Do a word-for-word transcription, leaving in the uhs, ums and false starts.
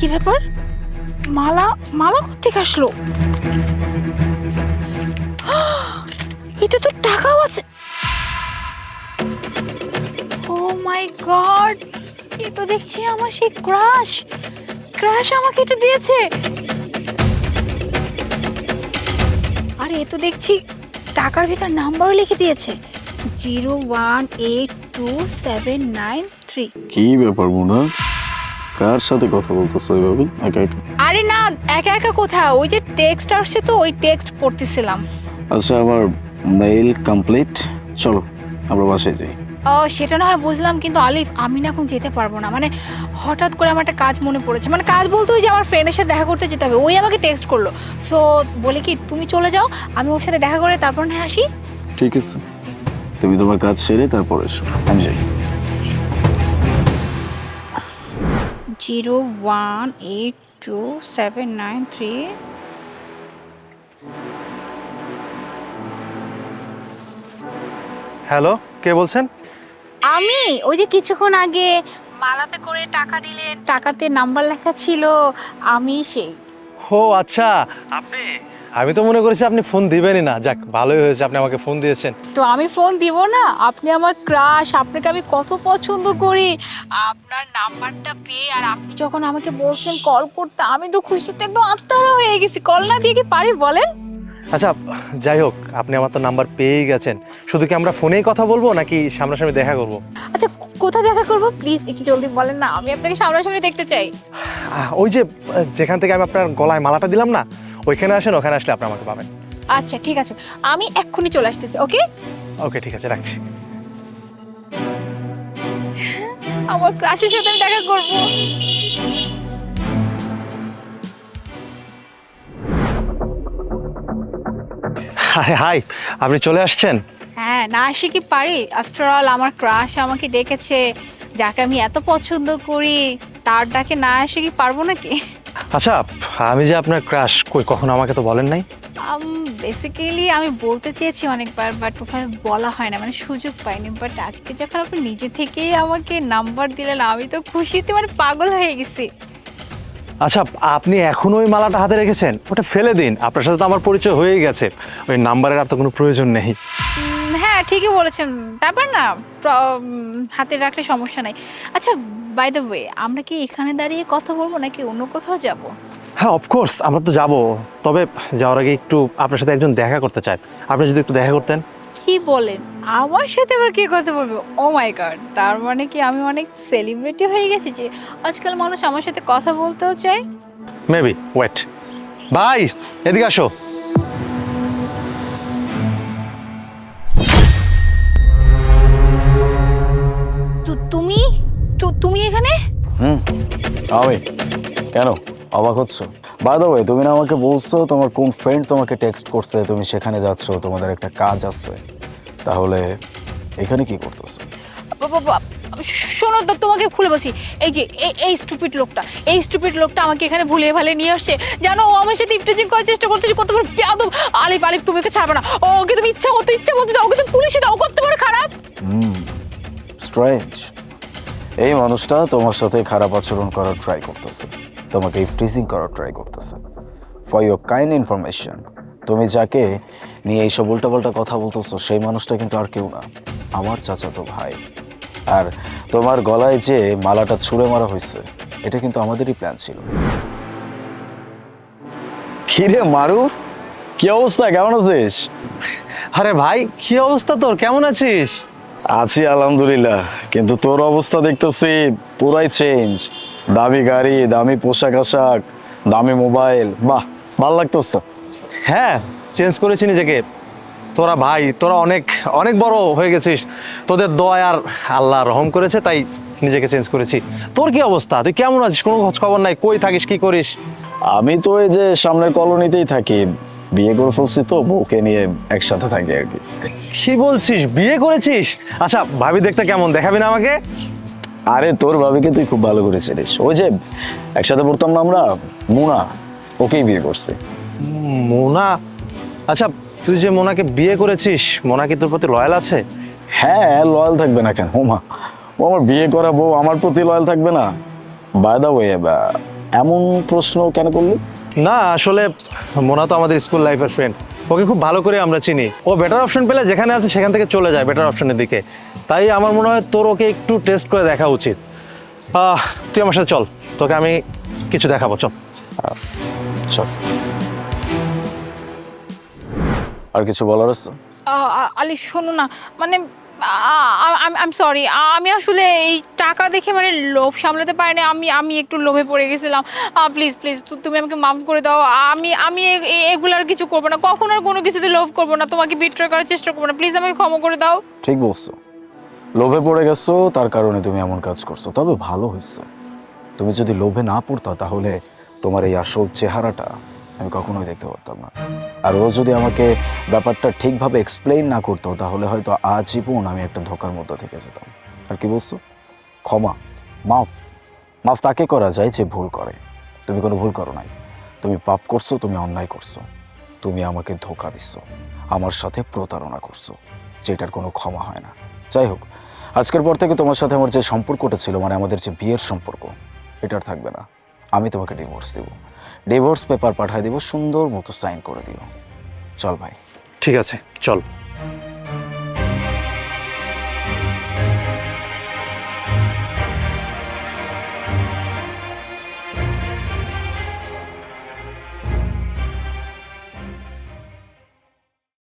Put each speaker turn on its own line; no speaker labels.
ব্যাপার? মালা মালা কোত্থেকে আসলো? এতে তো টাকাও আছে। ও মাই গড, এ তো দেখছি আমার সেই ক্রাশ ক্রাশ আমাকে এটা দিয়েছে। আরে এ তো দেখছি টাকার ভিতর নাম্বারও লিখে দিয়েছে, zero one eight two seven nine three.
কি ব্যাপার মুনা, কার সাথে কথা বলতেছো এভাবে একা একা?
আরে না, একা একা কোথাও, ওই যে টেক্সট আসছে তো ওই টেক্সট পড়তেছিলাম।
আচ্ছা, আমার মেইল কমপ্লিট, চলো আমরা বাসায় যাই।
ও সেটা না হয় বুঝলাম, কিন্তু আলিফ আমি না এখন যেতে পারবো না। মানে হঠাৎ করে আমার একটা কাজ মনে পড়েছে, মানে কাজ বলতে ওই যে আমার ফ্রেন্ডের সাথে দেখা করতে যেতে হবে, ওই আমাকে টেক্সট করলো। সো বলে কি তুমি চলে যাও, আমি ওর সাথে দেখা করে তারপর না আসি।
ঠিক আছে, তুমি তোমার কাজ সেরে তারপর এসো, আমি যাই।
Zero one eight two seven nine three.
Hello, কে বলছেন?
আমি ওই যে কিছুক্ষণ আগে মালাতে করে টাকা দিলেন, টাকাতে নাম্বার লেখা ছিল, আমি সেই।
ও আচ্ছা, আপনি? আমি তো মনে করেছি আপনি ফোন দিবেনই না। যাক, ভালোই হয়েছে আপনি আমাকে ফোন দিয়েছেন।
তো আমি ফোন দিব না? আপনি আমার ক্রাশ, আপনাকে আমি কত পছন্দ করি। আপনার নাম্বারটা পেয়ে আর আপনি যখন আমাকে বলছেন কল করতে, আমি তো খুশিতে একদম আত্মহারা হয়ে গেছি। কল না দিয়ে কি পারি বলেন?
আচ্ছা, যাই হোক, আপনি আমার তো নাম্বার পেয়েই গেছেন। শুধু কি আমরা ফোনেই কথা বলবো নাকি সামনাসামনি দেখা করব?
আচ্ছা, কোথায় দেখা করব প্লিজ একটু জলদি বলেন না, আমি আপনাকে সামনাসামনি দেখতে চাই।
আহ, ওই যে যেখান থেকে আমি আপনার গলায় মালাটা দিলাম না, ওইখানে আসেন, ওখানে আসলে আপনি আমাকে পাবেন।
আচ্ছা ঠিক আছে, আমি এক্ষুনি চলে আসতেছি। ওকে
ওকে, ঠিক আছে, রাখছি।
আমার ক্রাশের সাথে আমি দেখা করব।
হাই হাই, আপনি চলে আসছেন?
হ্যাঁ, না আসি কি পারি? আফটার অল আমার ক্রাশ আমাকে ডেকেছে, যাকে আমি এত পছন্দ করি, তার ডাকে না আসে কি পারবো নাকি?
আচ্ছা, আমি যে আপনার ক্রাশ, কই কখনো আমাকে তো বলেন নাই।
বেসিক্যালি আমি বলতে চেয়েছি অনেকবার, বাট ওভাবে বলা হয় না, মানে সুযোগ পাইনি। বাট আজকে যখন আপনি নিজে থেকেই আমাকে নাম্বার দিলেন, আমি তো খুশিতে মানে পাগল হয়ে গেছি।
আচ্ছা, আপনি এখনো ওই মালাটা হাতে রেখেছেন? ওটা ফেলে দিন, আপনার সাথে তো আমার পরিচয় হয়েই গেছে, ওই নাম্বারের আর তো কোনো প্রয়োজন নেই।
উম, হ্যাঁ ঠিকই বলেছেন, ব্যাপার না, প্র- উম, হাতে রাখলে সমস্যা নাই। আচ্ছা, বাই দ্য ওয়ে, আমরা কি এখানে দাঁড়িয়ে কথা বলবো নাকি অন্য কোথাও যাব?
হ্যাঁ, অফকোর্স আমরা তো যাব, তবে যাওয়ার আগে একটু আপনার সাথে একজন দেখা করতে চাই। আপনি যদি একটু দেখা করতেন।
কি বলেন, আমার সাথে আবার কি কথা বলবো? ও মাই গড, তার মানে কি আমি অনেক সেলিব্রিটি হয়ে গেছি যে আজকাল মানুষ আমার সাথে কথা বলতেও চায়?
Maybe, wait. ভাই, এদিকে আসো।
তু- তুমি তু- তুমি এখানে?
হুম, আমি কেন অবাক হচ্ছ? বাই দ্য ওয়ে, তুমি না আমাকে বলছো তোমার কোন ফ্রেন্ড তোমাকে টেক্সট করছে, তুমি সেখানে যাচ্ছ, তোমাদের একটা কাজ আছে, তাহলে এখানে কি করতেছো?
বাবা, বাবা, শোনো তো, তোমাকে খুলে বলছি, এই যে এই- এই স্টুপিড লোকটা, এই স্টুপিড লোকটা আমাকে এখানে ভুলিয়ে ভালিয়ে নিয়ে আসছে। জানো, ও আমার সাথে ইফটিজিং করার চেষ্টা করতেছে, কত বড় বেয়াদব। আলিফ আলিফ, তুমি ওকে ছাড়বে না, ওকে তুমি ইচ্ছা মতো ইচ্ছা মতো দাও, ওকে তুমি পুলিশে দাও, কত বড় খারাপ।
Hmm, strange. এই মানুষটা তোমার সাথে খারাপ আচরণ করার ট্রাই করতেছে, তোমাকে ইফটিজিং করার ট্রাই করতেছে। ফর ইউর কাইন্ড ইনফরমেশন, তুমি যাকে নিয়ে এইসব উল্টাপাল্টা কথা বলতেছো সেই মানুষটা কিন্তু আর কেউ না, আমার চাচাতো ভাই। আর তোমার গলায় যে মালাটা ছুঁড়ে মারা হয়েছে, এটা কিন্তু আমাদেরই প্ল্যান ছিল। কিরে মারু, কি অবস্থা, কেমন আছিস?
আরে ভাই, কি অবস্থা তোর? কেমন আছিস?
আছি আলহামদুলিল্লাহ, কিন্তু তোর অবস্থা দেখতেছি পুরাই চেঞ্জ। দামি গাড়ি, দামি পোশাক আশাক, দামি মোবাইল, বাহ ভাল লাগতেছে।
হ্যাঁ, চেঞ্জ করেছি নিজেকে। তোরা ভাই, তোরা অনেক অনেক বড় হয়ে গেছিস, তোদের দয়া আর আল্লাহ রহম করেছে, তাই নিজেকে চেঞ্জ করেছি। তোর কি অবস্থা? তুই কেমন আছিস? কোনো খোঁজ খবর নাই, কই থাকিস, কি করিস?
আমি তো এই যে সামনের কলোনিতেই থাকি, বিয়ে করে ফেলছি তো, বউকে নিয়ে একসাথে থাকি আর কি।
কি বলছিস, বিয়ে করেছিস? আচ্ছা, ভাবি দেখতে কেমন, দেখাবি না আমাকে?
আরে তোর ভাবিকে তুই খুব ভালো করে চিনিস, ওই যে একসাথে পড়তাম না আমরা, মুনা, ওকেই বিয়ে করছি।
মোনা? আচ্ছা, তুই যে মোনাকে বিয়ে করেছিস, মোনা কি তোর প্রতি লয়াল আছে?
হ্যাঁ, লয়াল থাকবে না কেন? ওমা, ও আমার বিয়ে করা বউ আমার প্রতি লয়াল থাকবে না? বাই দ্য ওয়ে, এমন প্রশ্ন কেন করলি?
না আসলে মোনা তো আমাদের স্কুল লাইফের ফ্রেন্ড, ওকে খুব ভালো করে আমরা চিনি। ও বেটার অপশন পেলে যেখানে আছে সেখান থেকে চলে যায় বেটার অপশনের দিকে। তাই আমার মনে হয় তোর ওকে একটু টেস্ট করে দেখা উচিত। আহ, তুই আমার সাথে চল, তোকে আমি কিছু দেখাবো, চল।
চল। আর কিছু বলার আছে?
আ- আ- আলি শোনো না, মানে আই এম সরি, আমি আসলে এই টাকা দেখে মানে লোভ সামলাতে পারিনি, আমি আমি একটু লোভে পড়ে গেছিলাম। প্লিজ প্লিজ তুমি আমাকে মাফ করে দাও। আমি আমি এ- এ- এগুলো আর কিছু করবো না, কখনো আর কোনো কিছুতে লোভ করবো না, তোমাকে বিট্রয় করার চেষ্টা করবো না, প্লিজ আমাকে ক্ষমা করে দাও।
ঠিক বলছো, লোভে পড়ে গেছো তার কারণে তুমি এমন কাজ করছো। তবে ভালো হয়েছে, তুমি যদি লোভে না পড়তা তাহলে তোমার এই আসল চেহারাটা আমি কখনোই দেখতে পারতাম না। আর ও যদি আমাকে ব্যাপারটা ঠিকভাবে এক্সপ্লেইন না করতো তাহলে হয়তো আজীবন আমি একটা ধোকার মধ্যে থেকে যেতাম। আর কি বলছো? ক্ষমা, মাফ। মাফ তাকে করা যায় যে ভুল করে। তুমি কোনো ভুল করো নাই, তুমি পাপ করছো, তুমি অন্যায় করছো, তুমি আমাকে ধোকা দিছো, আমার সাথে প্রতারণা করছো, যেটার কোনো ক্ষমা হয় না। যাই হোক, আজকের পর থেকে তোমার সাথে আমার যে সম্পর্কটা ছিল, মানে আমাদের যে বিয়ের সম্পর্ক, এটা আর থাকবে না। আমি তোমাকে ডিভোর্স দিব, ডিভোর্স পেপার পাঠিয়ে দিব, সুন্দর মতো সাইন করে দিও। চল ভাই।
ঠিক আছে, চল।